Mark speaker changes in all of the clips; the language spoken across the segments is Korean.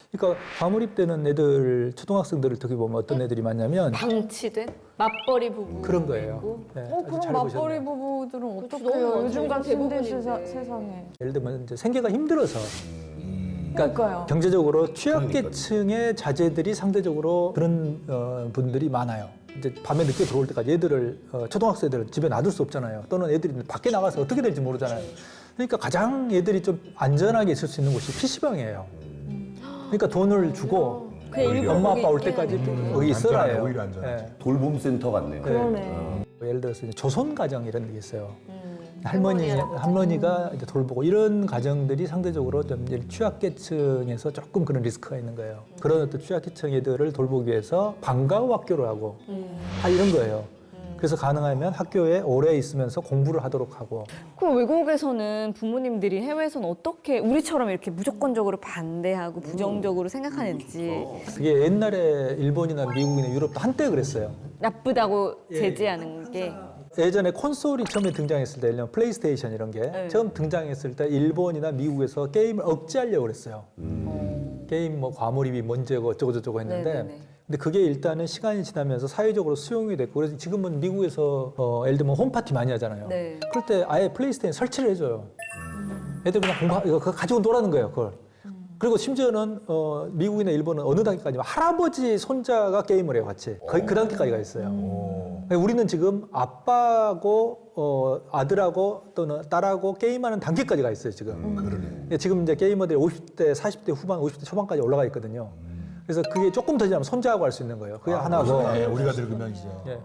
Speaker 1: 그러니까 과몰입되는 애들, 초등학생들을 특히 보면 어떤 애들이 많냐면
Speaker 2: 방치된 맞벌이 부부
Speaker 1: 그런 거예요.
Speaker 2: 있고.
Speaker 1: 네, 아주
Speaker 3: 그럼
Speaker 1: 잘
Speaker 3: 맞벌이
Speaker 1: 보셨네요.
Speaker 3: 부부들은
Speaker 2: 그렇죠.
Speaker 3: 어떡해요?
Speaker 2: 너무
Speaker 3: 요즘 같은
Speaker 2: 대부분인데.
Speaker 3: 세상에.
Speaker 1: 예를 들면 이제 생계가 힘들어서
Speaker 3: 그러니까요.
Speaker 1: 경제적으로 취약계층의 자제들이 상대적으로 그런 분들이 많아요. 이제 밤에 늦게 들어올 때까지 애들을 초등학생들을 집에 놔둘 수 없잖아요. 또는 애들이 밖에 나가서 어떻게 될지 모르잖아요. 그러니까 가장 애들이 좀 안전하게 있을 수 있는 곳이 PC방이에요. 그러니까 돈을 주고
Speaker 2: 그냥 일부러
Speaker 1: 엄마
Speaker 2: 거기
Speaker 1: 아빠 올
Speaker 2: 있게
Speaker 1: 때까지
Speaker 2: 하는
Speaker 1: 거기 있어라
Speaker 4: 안전하네,
Speaker 1: 해요.
Speaker 4: 오히려 안전하지.
Speaker 1: 예.
Speaker 5: 돌봄센터 같네요.
Speaker 3: 그러네.
Speaker 1: 예를 들어서 이제 조선 가정 이런 게 있어요.
Speaker 2: 할머니, 할아버지.
Speaker 1: 할머니가 이제 돌보고 이런 가정들이 상대적으로 좀 이제 취약계층에서 조금 그런 리스크가 있는 거예요. 그런 어떤 취약계층 애들을 돌보기 위해서 방과 후 학교를 하고 이런 거예요. 그래서 가능하면 학교에 오래 있으면서 공부를 하도록 하고.
Speaker 6: 그럼 외국에서는 부모님들이 해외에서는 어떻게 우리처럼 이렇게 무조건적으로 반대하고 부정적으로 생각하는지
Speaker 1: 그게 옛날에 일본이나 미국이나 유럽도 한때 그랬어요.
Speaker 6: 나쁘다고 제지하는 게
Speaker 1: 예전에 콘솔이 처음에 등장했을 때, 예를 들면 플레이스테이션 이런 게 처음 등장했을 때 일본이나 미국에서 게임을 억제하려고 그랬어요. 게임 뭐 과몰입이 문제고 어쩌고저쩌고 했는데
Speaker 6: 네네네.
Speaker 1: 근데 그게 일단은 시간이 지나면서 사회적으로 수용이 됐고 그래서 지금은 미국에서 예를 들면 홈파티 많이 하잖아요.
Speaker 6: 네.
Speaker 1: 그럴 때 아예 플레이스테이션 설치를 해줘요. 애들 그냥 이거 가지고 놀라는 거예요, 그걸. 그리고 심지어는 미국이나 일본은 어느 단계까지 할아버지 손자가 게임을 해요, 같이. 거의 그 단계까지 가 있어요. 우리는 지금 아빠하고 아들하고 또는 딸하고 게임하는 단계까지 가 있어요, 지금.
Speaker 4: 그러네.
Speaker 1: 지금 이제 게이머들이 50대, 40대 후반, 50대 초반까지 올라가 있거든요. 그래서 그게 조금 더 지나면 손자하고 할 수 있는 거예요. 그게 하나고.
Speaker 4: 네, 우리가 늙으면 이제.
Speaker 1: 예.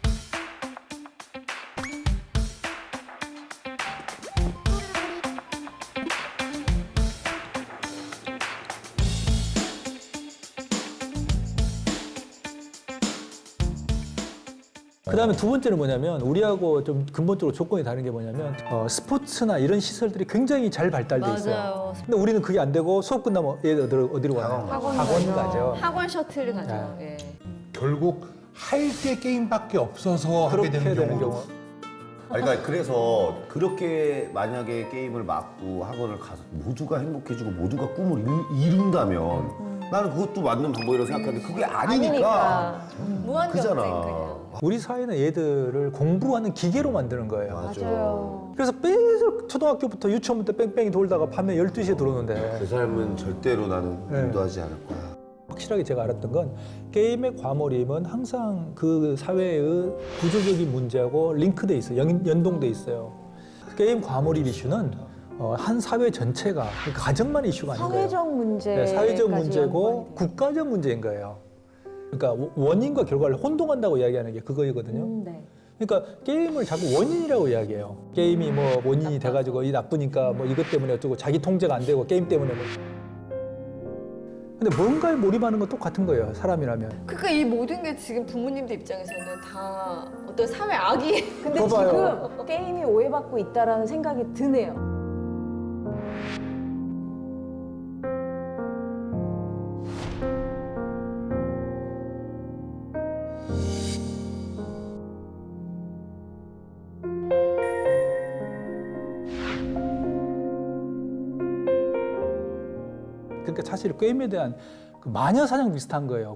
Speaker 1: 그 다음에 두 번째는 뭐냐면 우리하고 좀 근본적으로 조건이 다른 게 뭐냐면 스포츠나 이런 시설들이 굉장히 잘 발달돼 있어요.
Speaker 2: 맞아요.
Speaker 1: 근데 우리는 그게 안 되고 수업 끝나면 얘들 어디로 가요? 학원 가죠.
Speaker 2: 학원 셔틀 가죠. 예.
Speaker 4: 결국 할 게 게임밖에 없어서 하게
Speaker 1: 그렇게
Speaker 4: 되는
Speaker 1: 되는
Speaker 4: 경우.
Speaker 1: 경우.
Speaker 5: 그러니까 그래서 그렇게 만약에 게임을 막고 학원을 가서 모두가 행복해지고 모두가 꿈을 이룬다면 나는 그것도 맞는 방법이라고 생각하는데 그게 아니니까
Speaker 2: 무한 경쟁
Speaker 5: 그잖아.
Speaker 2: 그냥.
Speaker 1: 우리 사회는 얘들을 공부하는 기계로 만드는 거예요.
Speaker 3: 맞아요.
Speaker 1: 그래서 계속 초등학교부터 유치원부터 뺑뺑이 돌다가 밤에 12시에 들어오는데
Speaker 5: 그 삶은 절대로 나는
Speaker 1: 네.
Speaker 5: 인도하지 않을 거야.
Speaker 1: 확실하게 제가 알았던 건 게임의 과몰입은 항상 그 사회의 구조적인 문제하고 링크돼 있어요. 연동돼 있어요. 게임 과몰입 이슈는 한 사회 전체가 그러니까 가정만 이슈가 아닌 거예요.
Speaker 3: 사회적 문제.
Speaker 1: 네, 사회적 문제고 국가적 문제인 거예요. 그러니까 원인과 결과를 혼동한다고 이야기하는 게 그거이거든요.
Speaker 3: 네.
Speaker 1: 그러니까 게임을 자꾸 원인이라고 이야기해요. 게임이 뭐 원인이 돼가지고 이 나쁘니까 뭐 이것 때문에 어쩌고 자기 통제가 안 되고 게임 때문에 뭐. 근데 뭔가에 몰입하는 건 똑같은 거예요. 사람이라면.
Speaker 2: 그러니까 이 모든 게 지금 부모님들 입장에서는 다 어떤 사회 악이.
Speaker 3: 근데
Speaker 1: 봐봐요.
Speaker 3: 지금 게임이 오해받고 있다라는 생각이 드네요.
Speaker 1: 그러니까 사실 게임에 대한 그 마녀 사냥 비슷한 거예요.